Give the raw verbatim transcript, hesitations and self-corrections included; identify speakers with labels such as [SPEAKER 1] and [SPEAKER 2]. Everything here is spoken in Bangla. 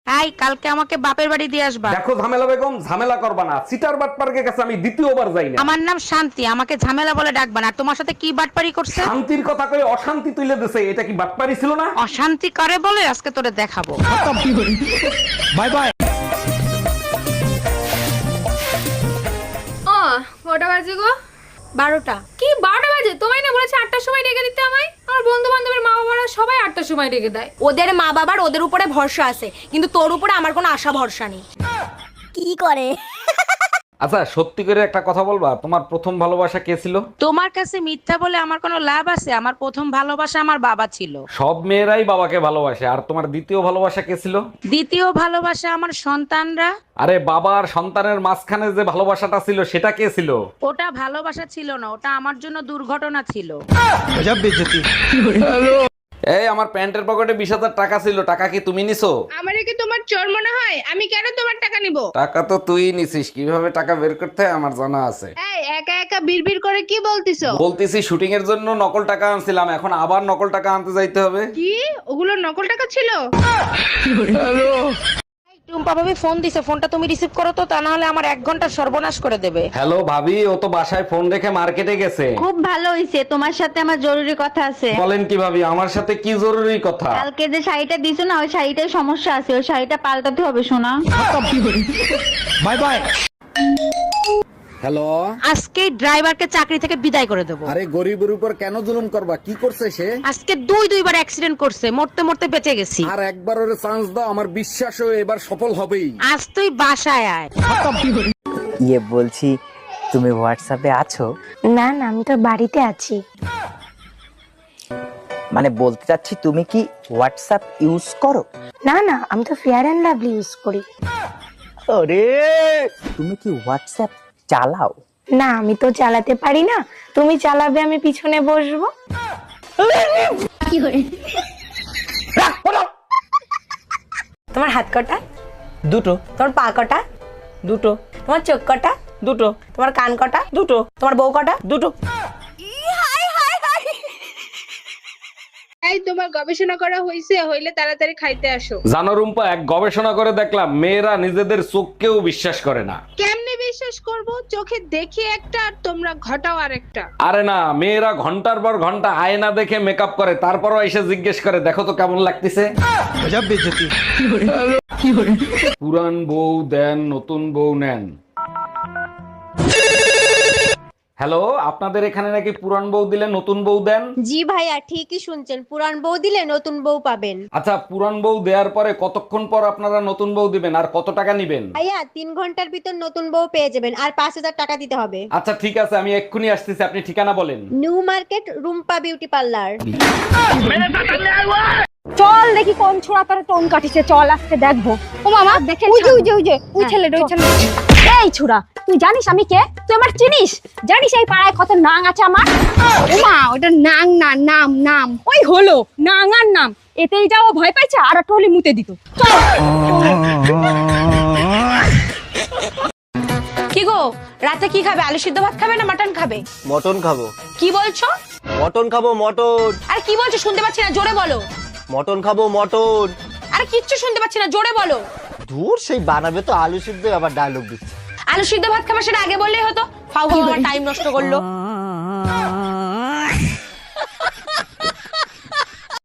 [SPEAKER 1] এই কালকে আমাকে বাপের বাড়ি দিয়ে আসবা।
[SPEAKER 2] দেখো ঝামেলা বেগম, ঝামেলা করবা না। সিটার বাটপার্কের কাছে আমি দ্বিতীয়বার যাই না।
[SPEAKER 1] আমার নাম শান্তি, আমাকে ঝামেলা বলে ডাকবা না। আর তোমার সাথে কি বাটপারি করছে?
[SPEAKER 2] শান্তির কথা কই অশান্তি তুলে দিছে, এটা কি বাটপারি ছিল না?
[SPEAKER 1] অশান্তি করে বলে আজকে তোরে দেখাবো।
[SPEAKER 2] Bye bye.
[SPEAKER 3] ও কটা বাজে গো?
[SPEAKER 4] বারোটা।
[SPEAKER 3] কি বারোটা বাজে? তোমায় না বলেছে আটটার সময় ডেকে দিতে আমায়? আমার বন্ধু বান্ধবের মা বাবারা সবাই আটটার সময় ডেকে দেয়।
[SPEAKER 4] ওদের মা বাবার ওদের উপরে ভরসা আছে, কিন্তু তোর উপরে আমার কোনো আশা ভরসা নেই।
[SPEAKER 5] কি করে?
[SPEAKER 2] আচ্ছা সত্যি করে একটা কথা বলবা, তোমার প্রথম ভালোবাসা কে ছিল?
[SPEAKER 1] তোমার কাছে মিথ্যা বলে আমার কোনো লাভ আছে? আমার প্রথম ভালোবাসা আমার বাবা ছিল।
[SPEAKER 2] সব মেয়েরাই বাবাকে ভালোবাসে। আর তোমার দ্বিতীয় ভালোবাসা কে ছিল?
[SPEAKER 1] দ্বিতীয় ভালোবাসা আমার সন্তানরা।
[SPEAKER 2] আরে বাবা আর সন্তানের মাঝখানে যে ভালোবাসাটা ছিল সেটা কে ছিল?
[SPEAKER 1] ওটা ভালোবাসা ছিল না, ওটা আমার জন্য দুর্ঘটনা ছিল।
[SPEAKER 2] এই আমার প্যান্টের পকেটে বিশ হাজার টাকা ছিল, টাকা কি তুমি নিছো?
[SPEAKER 6] আমারে কি তোমার চোর মনে হয়? আমি কেন তোমার টাকা নিব?
[SPEAKER 2] টাকা তো তুই নিছিস, কিভাবে টাকা বের করতে হয় আমার জানা আছে।
[SPEAKER 6] এই একা একা বিড়বিড় করে কি বলতিছো?
[SPEAKER 2] বলতেছি শুটিং এর জন্য নকল টাকা আনছিলাম, এখন আবার নকল টাকা আনতে যাইতে হবে।
[SPEAKER 6] কি ওগুলো নকল টাকা ছিল?
[SPEAKER 1] টুম্পা ভাবি ফোন দিছে, ফোনটা তুমি রিসিভ করো তো, তা না হলে আমার এক ঘন্টা সর্বনাশ করে দেবে।
[SPEAKER 2] হ্যালো ভাবি, ও তো বাসায় ফোন রেখে মার্কেটে গেছে।
[SPEAKER 5] খুব ভালো হইছে, তোমার সাথে আমার জরুরি কথা আছে।
[SPEAKER 2] বলেন কি ভাবি, আমার সাথে কি জরুরি কথা?
[SPEAKER 5] কালকে যে শাড়িটা দিছো না, ওই শাড়িটায় সমস্যা আছে, ওই শাড়িটা পাল্টাতে হবে সোনা।
[SPEAKER 2] Bye bye. হ্যালো,
[SPEAKER 1] আজকে ড্রাইভারকে চাকরি থেকে বিদায় করে দেবো।
[SPEAKER 7] আরে গরিবের উপর কেন জুলুম করবা? কি করছে সে?
[SPEAKER 1] আজকে দুই দুইবার অ্যাক্সিডেন্ট করছে, মরতে মরতে বেঁচে গেছি।
[SPEAKER 7] আর একবার ওরে চান্স দাও, আমার বিশ্বাস ও এবার সফল হবেই।
[SPEAKER 1] আজ তুই বাসায় আয়।
[SPEAKER 8] ইয়ে বলছি, তুমি হোয়াটসঅ্যাপে আছো?
[SPEAKER 9] না না, আমি তো বাড়িতে আছি।
[SPEAKER 8] মানে বলতে চাচ্ছি, তুমি কি হোয়াটসঅ্যাপ ইউজ করো?
[SPEAKER 9] না না, আমি তো ফেয়ার অ্যান্ড লাভলি ইউজ করি।
[SPEAKER 8] আরে তুমি কি হোয়াটসঅ্যাপ চালাও?
[SPEAKER 9] না, আমি তো চালাতে পারি না। তুমি চালাবে, আমি পিছনে বসবো।
[SPEAKER 5] কি করে?
[SPEAKER 4] তোমার হাত কটা?
[SPEAKER 8] দুটো।
[SPEAKER 4] তোমার পা কটা?
[SPEAKER 8] দুটো।
[SPEAKER 4] তোমার চোখ কটা?
[SPEAKER 8] দুটো।
[SPEAKER 4] তোমার কান কটা?
[SPEAKER 8] দুটো।
[SPEAKER 4] তোমার বউ কটা?
[SPEAKER 8] দুটো।
[SPEAKER 6] এই তোমার গবেষণা করা হইছে? হইলে তাড়াতাড়ি খাইতে আসো।
[SPEAKER 2] জানো রুম্পা, এক গবেষণা করে দেখলাম মেয়েরা নিজেদের চোখকেও বিশ্বাস করে না।
[SPEAKER 6] কেমনে বিশ্বাস করব? চোখে দেখি একটা আর তোমরা ঘটাও আরেকটা।
[SPEAKER 2] আরে না, মেয়েরা ঘন্টার পর ঘন্টা আয়না দেখে মেকআপ করে, তারপরও এসে জিজ্ঞেস করে দেখো তো কেমন লাগতেছে। পুরান বউ দেন, নতুন বউ নেন। হ্যালো, আপনাদের এখানে নাকি পুরান বউ দিলে নতুন বউ দেন?
[SPEAKER 5] জি ভাইয়া, ঠিকই শুনছেন, পুরান বউ দিলে নতুন বউ পাবেন।
[SPEAKER 2] আচ্ছা, পুরান বউ দেওয়ার পরে কতক্ষণ পর আপনারা নতুন বউ দিবেন আর কত টাকা নিবেন?
[SPEAKER 5] ভাইয়া, তিন ঘন্টার ভিতর নতুন বউ পেয়ে যাবেন, আর পাঁচ হাজার টাকা দিতে হবে।
[SPEAKER 2] আচ্ছা ঠিক আছে, আমি এক্ষুনি আসতেছি, আপনি ঠিকানা বলেন।
[SPEAKER 5] New market, Rumpa beauty parlour.
[SPEAKER 4] চল দেখি কোন ছোড়া তোর টোন কাটিছে, চল আজকে দেখবো। ও মামা দেখে, ওই যে ওই যে ওই যে ওই ছেলেটা, ওই ছেলে। এই ছোড়া, তুই জানিস আমি কে? তুই আমার চিনিস? জানিস এই পাড়ায় কত নাং আছে আমার? ও মা, ওটা নাং না, নাম নাম। ওই হলো নাঙার নাম, এতেই যাও ভয় পাইছে আর টলি মুতে দিত। চল। কি গো, রাতে কি খাবে? আলু সিদ্ধ ভাত খাবে না মাটন খাবে?
[SPEAKER 8] মটন খাবো।
[SPEAKER 4] কি বলছো?
[SPEAKER 8] মটন খাবো, মটন।
[SPEAKER 4] আর কি বলছো শুনতে পাচ্ছি না, জোরে বলো।
[SPEAKER 8] মটন খাবো, মটন।
[SPEAKER 4] আর কিচ্ছু শুনতে পাচ্ছি না, জোরে বলো।
[SPEAKER 8] দূর, সেই বানাবে তো আলু সিদ্ধ, আবার ডায়লগ দিচ্ছে।
[SPEAKER 4] আলু সিদ্ধ ভাত খাবার, সেটা আগে বললেই হতো। ফাউ ফাউ আমার টাইম নষ্ট করলো।